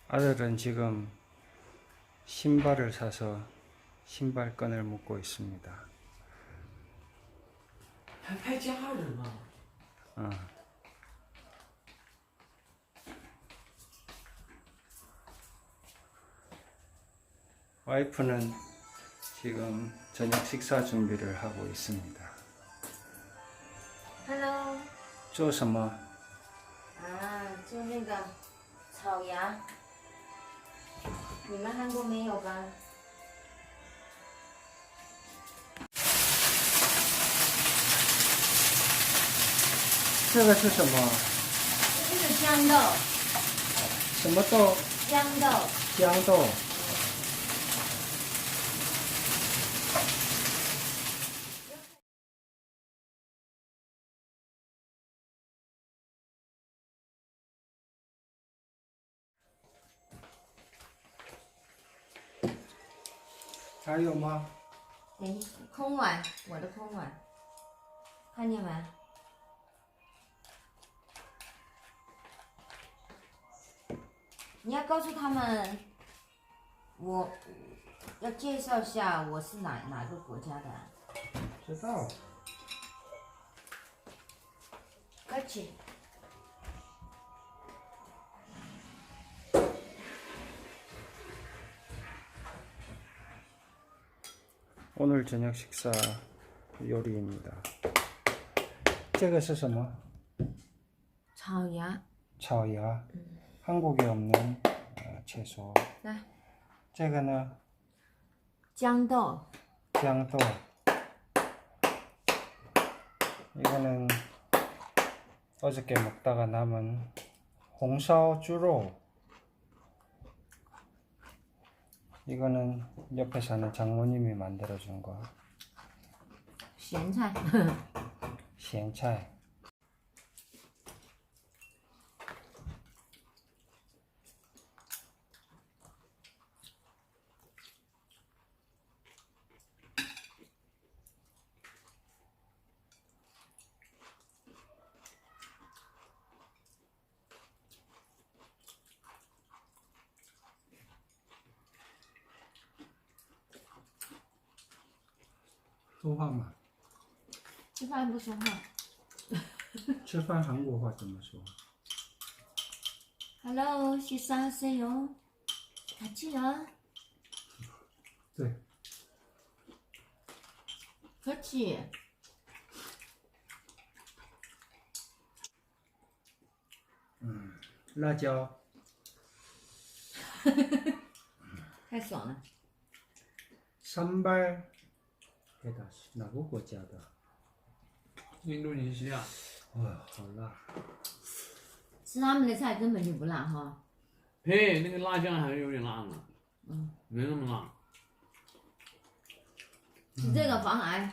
아들은 지금 신발을 사서 신발끈을 묶고 있습니다. 还拍家人啊？ 와이프는 지금 저녁 식사 준비를 하고 있습니다. Hello， 做什么? 做那个草芽，你们韩国没有吧？ 这个是什么? 这是豇豆， 什么豆? 豇豆， 豇豆.还有吗? 哎，空碗，我的空碗，看见没？你要告诉他们，我要介绍一下我是哪个国家的。 知道. 그렇지. 오늘 저녁 식사 요리입니다. 这个是什么? 草芽， 차오야. 한국에 없는 채소. 来， 这个呢? 豇豆， 豇豆. 이거는 어저께 먹다가 남은 홍사오 쭈로. 이거는 옆에 사는 장모님이 만들어준 거. 咸菜， 咸菜.说话嘛. 吃饭不说话。 吃饭韩国话怎么说? Hello， 식사하세요. 같이요. 对. 그렇지. 음. 辣椒. 太爽了。 산발. 哪个国家的? 印度尼西亚。 哇，好辣。 吃他们的菜根本就不辣哈。 嘿，那个辣酱还是有点辣呢。没那么辣。 吃这个防癌。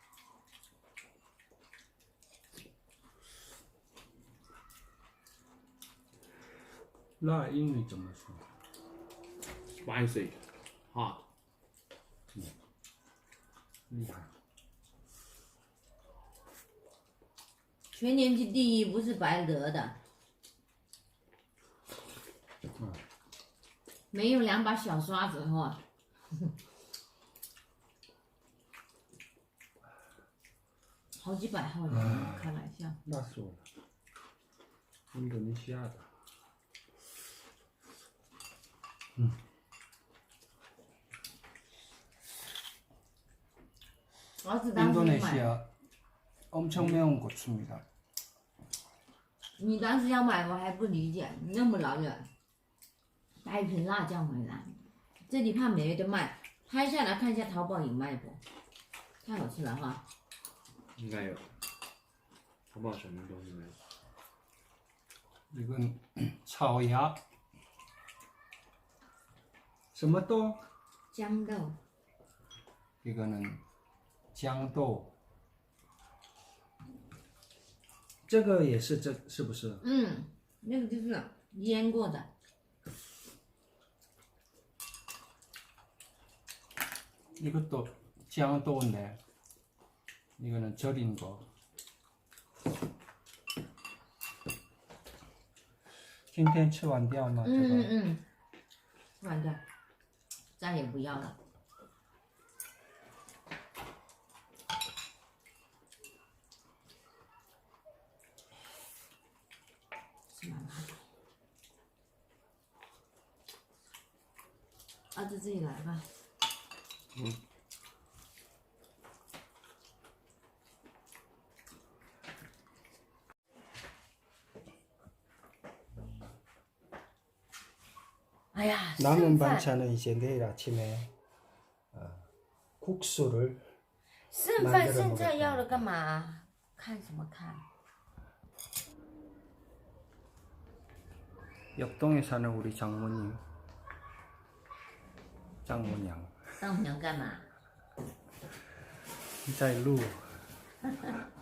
辣英语怎么说? Spicy, hot. 厉害. 全年级第一不是白得的。没有2把小刷子哈。好几百号人，开玩笑。 辣死我了. 印度尼西亚的. 儿子当时买， 인도네시아 엄청 매운 고추입니다. 你当时要买我还不理解，你那么老远带一瓶辣酱回来，这里怕没得卖，拍下来看一下淘宝有卖不？太好吃了哈！ 应该有。淘宝什么东西没有？ 이건 차오야. 什么豆? 豇豆， 이거는豇豆. 这个也是这是不是? 那个就是腌过的。 이것도 짱도인데 이거는 절인 거. 今天吃完掉吗？这个换掉，再也不要了。是妈妈的。儿子自己来吧。 嗯。 哎呀， 남은 반찬은 이제 내일 아침에 국수를 剩饭剩菜要了干嘛？看什么看？ 옆동에 사는 우리 장모님, 장모냥. 丈母娘干嘛？ 在录